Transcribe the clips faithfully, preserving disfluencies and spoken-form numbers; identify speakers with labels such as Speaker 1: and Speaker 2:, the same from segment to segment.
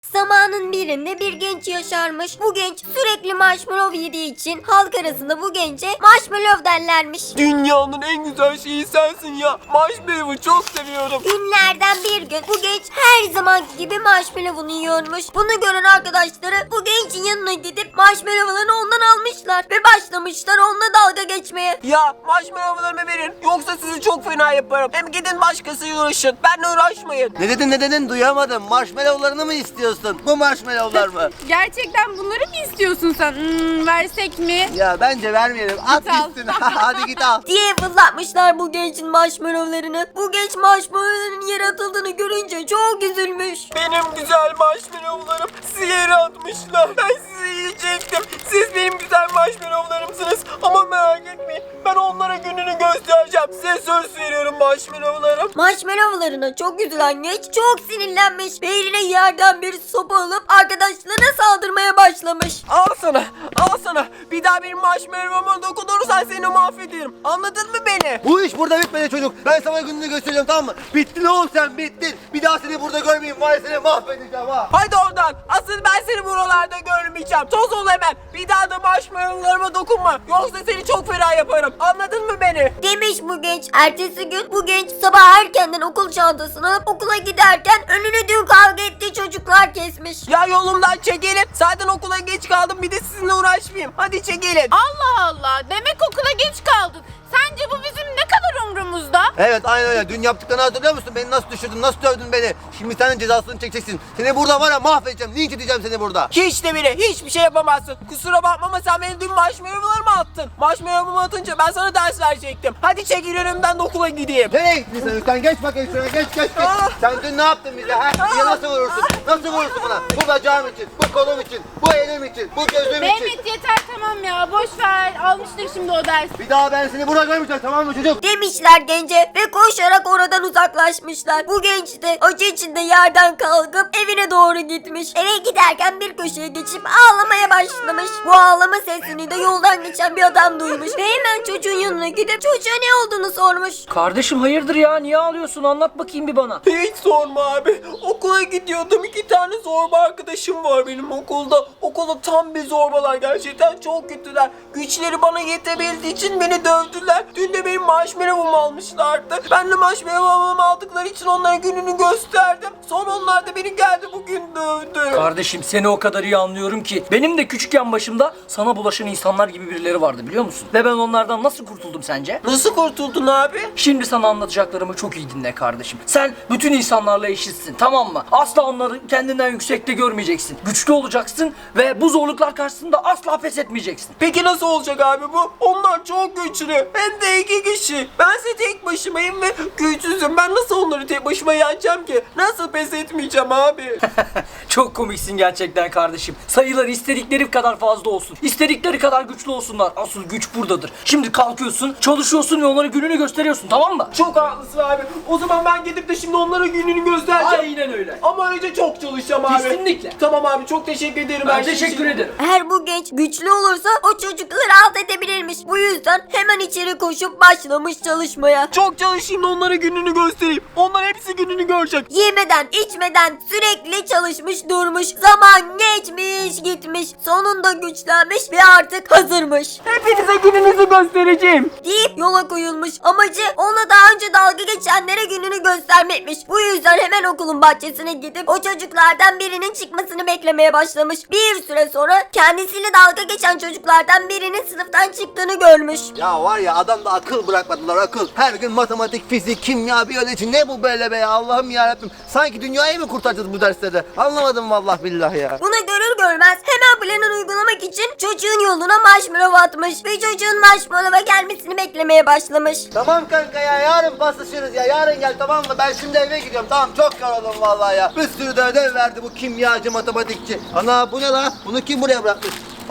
Speaker 1: Zamanın birinde bir genç yaşarmış. Bu genç sürekli marshmallow yediği için halk arasında bu gence marshmallow derlermiş.
Speaker 2: Dünyanın en güzel şeyi sensin ya. Marshmallow'u çok seviyorum.
Speaker 1: Günlerden bir gün bu genç her zamanki gibi marshmallow'unu yiyormuş. Bunu gören arkadaşları bu gencin yanına gidip marshmallow'larını ondan almışlar ve başlamışlar onunla dalga geçmeye.
Speaker 2: Ya marshmallow'larımı verin. Yoksa sizi çok fena yaparım. Hem gidin başkasıyla uğraşın. Benle uğraşmayın.
Speaker 3: Ne dedin ne dedin duyamadım. Marshmallow'larını mı istiyorsun? Bu marshmallow'lar mı?
Speaker 4: Gerçekten bunları mı istiyorsun sen? Hmm, versek mi?
Speaker 3: Ya bence vermeyelim. At
Speaker 4: Git al.
Speaker 3: gitsin. Hadi git al.
Speaker 1: diye fırlatmışlar bu gencin marshmallowlarını. Bu genç marshmallowların yere atıldığını görünce çok üzülmüş.
Speaker 2: Benim güzel marshmallow'larım sizi yere atmışlar. Ben sizi yiyecektim. Siz benim güzel marshmallow'larımsınız. Ama merak etmeyin. Ben onlara gününü göstereceğim. Size söz veriyorum marshmallow'larım.
Speaker 1: Marshmallowlarına çok üzülen genç çok sinirlenmiş ve eline yerden bir sopa alıp arkadaşlarına saldırmaya başlamış.
Speaker 2: Al sana. Al sana. Bir daha benim marshmallow'uma dokunursan seni mahvederim. Anladın mı beni?
Speaker 3: Bu iş burada bitmedi çocuk. Ben sana gününü göstereceğim, tamam mı? Bittin oğlum sen, bittin. Bir daha seni burada görmeyeyim. Var ya, seni mahvedeceğim ha.
Speaker 2: Haydi oradan. Asıl ben seni buralarda görmeyeceğim. Toz ol hemen. Bir daha da marshmallow'larıma dokunma. Yoksa seni çok fena yaparım. Anladın mı beni?
Speaker 1: Demiş bu genç. Ertesi gün bu genç sabah erkenden okul çantasını alıp okula giderken önünü dün kavga ettiği çocuklar kesmiş.
Speaker 2: Ya yolumdan çekilin. Zaten okula geç kaldım. Bir de sizinle uğraşmayayım. Hadi çekilin.
Speaker 4: Allah Allah. Demek okula geç kaldın. Sence bu bizim ne kadar umrumuzda?
Speaker 3: Evet, aynen öyle. Dün yaptıklarını hatırlıyor musun? Beni nasıl düşürdün, nasıl dövdün beni? Şimdi senin cezasını çekeceksin. Seni burada var ya mahvedeceğim. Linç edeceğim seni burada.
Speaker 2: Hiç de bile hiçbir şey yapamazsın. Kusura bakma ama sen benim dün marshmallow'larımı attın. Marshmallow'umu atınca ben sana ders verecektim. Hadi çekil önümden de okula gideyim.
Speaker 3: Nereye gittin sen? Sen geç bakayım şuraya, geç geç geç.
Speaker 2: Ah!
Speaker 3: Sen dün ne yaptın bize ha? Bize nasıl vurursun? Nasıl vurursun bana? Bu bacağım için, bu kolum için, bu elim için, bu gözüm için.
Speaker 4: Mehmet yeter tamam ya. Boş ver. Almıştır şimdi o dersi.
Speaker 3: Bir daha ben seni burada görmeyeceğim, tamam mı çocuk?
Speaker 1: Demişler gence ve koşarak oradan uzaklaşmışlar. Bu genç de acı içinde yerden kalkıp evine doğru gitmiş. Eve giderken bir köşeye geçip ağlamaya başlamış. Bu ağlama sesini de yoldan geçen bir adam duymuş ve hemen çocuğun yanına gidip çocuğa ne olduğunu sormuş.
Speaker 5: Kardeşim hayırdır ya, niye ağlıyorsun, anlat bakayım bir bana.
Speaker 2: Hiç sorma abi. Okula gidiyordum. İki tane zorba arkadaşım var benim okulda. Okulda tam bir zorbalar. Gerçekten çok kötüler. Güçleri bana yetebildiği için beni dövdüler. Dün de benim marshmallow'umu almışlardı. Ben de marshmallow'umu aldıkları için onlara gününü gösterdim. Sonra onlar da beni geldi bugün dövdü.
Speaker 5: Kardeşim seni o kadar iyi anlıyorum ki benim de küçükken başımda sana bulaşan insanlar gibi birileri vardı, biliyor musun? Ve ben onlardan nasıl kurtuldum sence?
Speaker 2: Nasıl kurtuldun abi?
Speaker 5: Şimdi sana anlatacaklarımı çok iyi dinle kardeşim. Sen bütün insanlarla eşitsin, tamam mı? Asla onları kendinden yüksekte görmeyeceksin. Güçlü olacaksın ve bu zorluklar karşısında asla pes etmeyeceksin.
Speaker 2: Peki nasıl olacak abi bu? Onlar çok güçlü. Hem de iki kişi. Bense tek başımayım ve güçsüzüm. Ben nasıl onları tek başıma yeneceğim ki? Nasıl pes etmeyeceğim abi?
Speaker 5: Çok komiksin gerçekten kardeşim. Sayıları istedikleri kadar fazla olsun. İstedikleri kadar güçlü olsunlar. Asıl güç buradadır. Şimdi kalkıyorsun, çalışıyorsun ve onlara gününü gösteriyorsun, tamam mı?
Speaker 2: Çok haklısın abi. O zaman ben gidip de şimdi onlara gününü göstereceğim.
Speaker 5: Aynen öyle.
Speaker 2: Ama önce çok çalışacağım abi.
Speaker 5: Kesinlikle.
Speaker 2: Tamam abi, çok teşekkür ederim.
Speaker 5: Ben
Speaker 2: her şey
Speaker 5: teşekkür
Speaker 2: için.
Speaker 5: ederim.
Speaker 1: Eğer bu genç güçlü olursa o çocukları alt edebilirmiş. Bu yüzden hemen içeri koşup başlamış çalışmaya.
Speaker 2: Çok çalışayım da onlara gününü göstereyim. Onlar hepsi gününü görecek.
Speaker 1: Yemeden içmeden sürekli çalışmış durmuş. Zaman geçmiş gitmiş. Sonunda güçlenmiş ve artık hazırmış.
Speaker 2: Hepinize gününüzü göstereceğim.
Speaker 1: Deyip yola koyulmuş. Amacı ona daha önce dalga geçenlere gününü göstermekmiş. Bu yüzden hemen okulun bahçesine gidip o çocuklardan birinin çıkmasını beklemeye başlamış. Bir süre sonra kendisiyle dalga geçen çocuklardan birinin sınıftan çıktığını görmüş.
Speaker 3: Ya var ya, adamda akıl bırakmadılar, akıl. Her gün matematik, fizik, kimya, biyoloji, ne bu böyle be ya, Allah'ım yarabbim. Sanki dünyayı mı kurtaracağız bu derslerde? Anlamadım vallahi billahi ya.
Speaker 1: Bunu görür görmez hemen planını uygulamak için çocuğun yoluna marshmallow atmış ve çocuğun marshmallow'a gelmesini beklemeye başlamış.
Speaker 3: Tamam kanka ya, yarın paslaşırız ya, yarın gel, tamam mı? Ben şimdi eve gidiyorum, tamam, çok yoruldum vallahi ya. Bir sürü de ödev verdi bu kimyacı, matematikçi. Ana bu ne la? Bunu kim buraya bırakmış?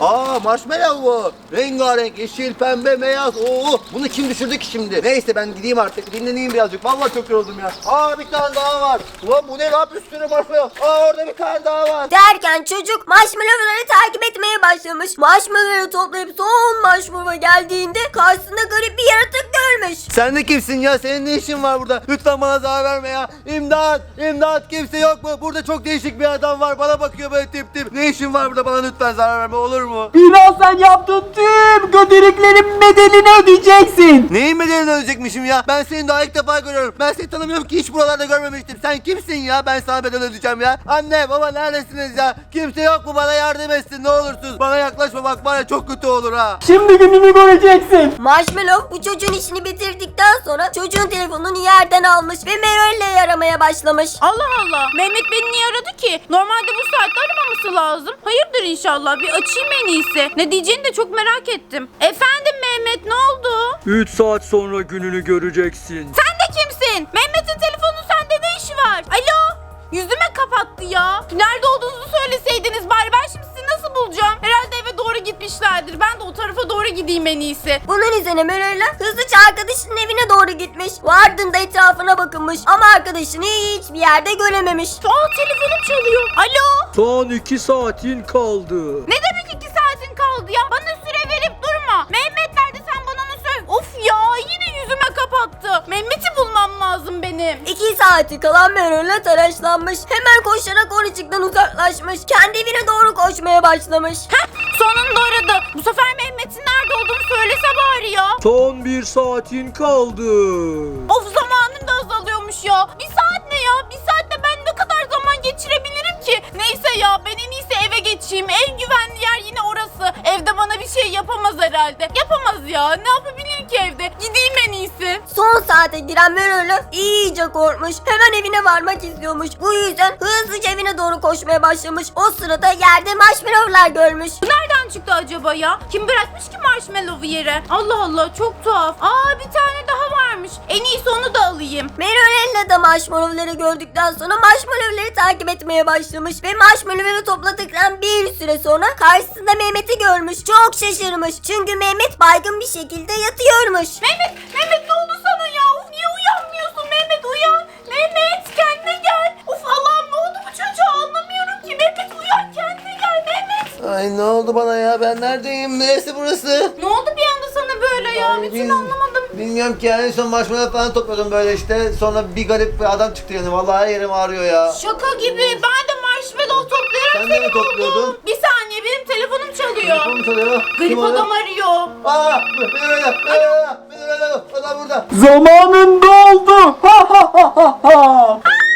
Speaker 3: Aa marshmallow bu. Rengarenk yeşil, pembe, beyaz. Oo bunu kim düşürdü ki şimdi? Neyse ben gideyim artık. Dinleneyim birazcık. Vallahi çok yoruldum ya. Aa bir tane daha var. Ulan bu ne lan, bir sürü marshmallow. Aa orada bir tane daha var.
Speaker 1: Derken çocuk marshmallowları takip etmeye başlamış. Marshmallowları toplayıp son marshmallow geldiğinde karşısında garip bir yaratık görmüş.
Speaker 3: Sen de kimsin ya? Senin ne işin var burada? Lütfen bana zarar verme ya. İmdat! İmdat! Kimse yok mu? Burada çok değişik bir adam var. Bana bakıyor böyle tip tip. Ne işin var burada? Bana lütfen zarar verme, olur mu?
Speaker 2: Birazdan yaptığın tüm kötülüklerin bedelini ödeyeceksin.
Speaker 3: Neyin bedelini ödeyecekmişim ya? Ben seni daha ilk defa görüyorum. Ben seni tanımıyorum ki, hiç buralarda görmemiştim. Sen kimsin ya? Ben sana bedel ödeyeceğim ya. Anne baba neredesiniz ya? Kimse yok mu? Bana yardım etsin ne olursunuz. Bana yaklaşma bak, var ya çok kötü olur ha.
Speaker 2: Şimdi gününü göreceksin.
Speaker 1: Marshmallow bu çocuğun işini bitirdikten sonra çocuğun telefonunu yerden almış ve Meral'le aramaya başlamış.
Speaker 4: Allah Allah. Mehmet beni niye aradı ki? Normalde bu saatte aramaması lazım. Hayırdır inşallah. Bir açayım en iyisi. Ne diyeceğini de çok merak ettim. Efendim Mehmet, ne oldu?
Speaker 5: üç saat sonra gününü göreceksin.
Speaker 4: Sen de kimsin? Mehmet'in telefonu sende ne işi var? Alo? Yüzüme kapattı ya. Nerede olduğunuzu söyleseydiniz bari, ben şimdi sizi nasıl bulacağım? Herhalde eve doğru gitmişlerdir. Ben de o tarafa doğru gideyim en iyisi.
Speaker 1: Bunun üzerine Meral'le hızlıca arkadaşının evine doğru gitmiş. Ve ardında etrafına bakınmış ama arkadaşını hiçbir yerde görememiş.
Speaker 4: Aa, telefonum çalıyor. Alo?
Speaker 5: Son iki saatin kaldı.
Speaker 4: Ne demek iki saatin kaldı ya? Bana süre verip durma. Mehmet nerede, sen bana onu söyle. Of ya, yine yüzüme kapattı. Mehmet'i bulmam lazım benim.
Speaker 1: İki saati kalan Meral'le telaşlanmış. Hemen koşarak oracıktan uzaklaşmış. Kendi evine doğru koşmaya başlamış.
Speaker 4: Heh, sonunda aradı. Bu sefer Mehmet'in nerede olduğunu söylese bari ya.
Speaker 5: Son bir saatin kaldı.
Speaker 4: Of, zamanım da azalıyormuş ya. Bir saat ne ya? Bir saatte ben ne kadar zaman geçirebilirim ki? Neyse ya, ben en iyisi eve geçeyim. En güvenli yer yine orası. Evde bana bir şey yapamaz herhalde. Yapamaz ya. Ne yapabilir ki evde? Gideyim en iyisi.
Speaker 1: Son saate giren Meral'le iyice korkmuş. Hemen evine varmak istiyormuş. Bu yüzden hızlıca evine doğru koşmaya başlamış. O sırada yerde marshmallowlar görmüş.
Speaker 4: Bu nereden çıktı acaba ya? Kim bırakmış ki marshmallow'u yere? Allah Allah, çok tuhaf. Aa, bir tane daha varmış. En iyisi onu da alayım.
Speaker 1: Meral'le de marshmallowları gördükten sonra marshmallowları takip etmeye başlamış. Ve marshmallowları topladıktan bir süre sonra karşısında Mehmet'i görmüş. Çok şaşırmış. Çünkü Mehmet baygın bir şekilde yatıyormuş.
Speaker 4: Mehmet, Mehmet ne oldu sana ya? Of, niye uyanmıyorsun? Mehmet uyan. Mehmet kendine gel. Of Allah'ım, ne oldu bu çocuğa, anlamıyorum ki. Mehmet uyan, kendine gel Mehmet.
Speaker 3: Ay ne oldu bana ya? Ben neredeyim? Neresi burası?
Speaker 4: Ne oldu bir anda sana böyle ya?
Speaker 3: Ay,
Speaker 4: Bir türlü
Speaker 3: bil-
Speaker 4: anlamadım.
Speaker 3: Bilmiyorum ki yani, en son marshmallow falan topladım böyle işte. Sonra bir garip bir adam çıktı yani. Vallahi her yerim ağrıyor ya.
Speaker 4: Şaka gibi. Ben de marshmallow toplayarak
Speaker 3: Sen de mi
Speaker 4: seni buldum.
Speaker 3: topluyordun?
Speaker 4: Bir saniye, benim telefonum çalıyor.
Speaker 3: Kim çalıyor?
Speaker 4: Garip
Speaker 3: Kim o?
Speaker 4: adam arıyor.
Speaker 3: Aa! Beni öyle! Beni öyle! Beni öyle! Adam burada!
Speaker 2: Zamanın doldu. Ha ha ha ha ha.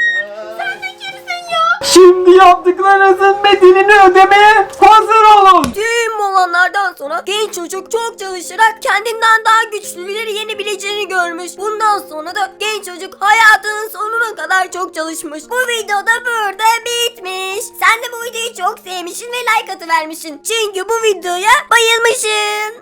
Speaker 4: Sen de kimsin ya?
Speaker 2: Şimdi yaptıklarınızın bedelini ödemeye hazır olun.
Speaker 1: Tüm olanlardan sonra genç çocuk çok çalışarak kendinden daha güçlüleri yenebileceğini görmüş. Bundan sonra da genç çocuk hayatının sonuna kadar çok çalışmış. Bu video da burada bitmiş. Sen de bu videoyu çok sevmişsin ve like atıvermişsin. Çünkü bu videoya bayılmışsın.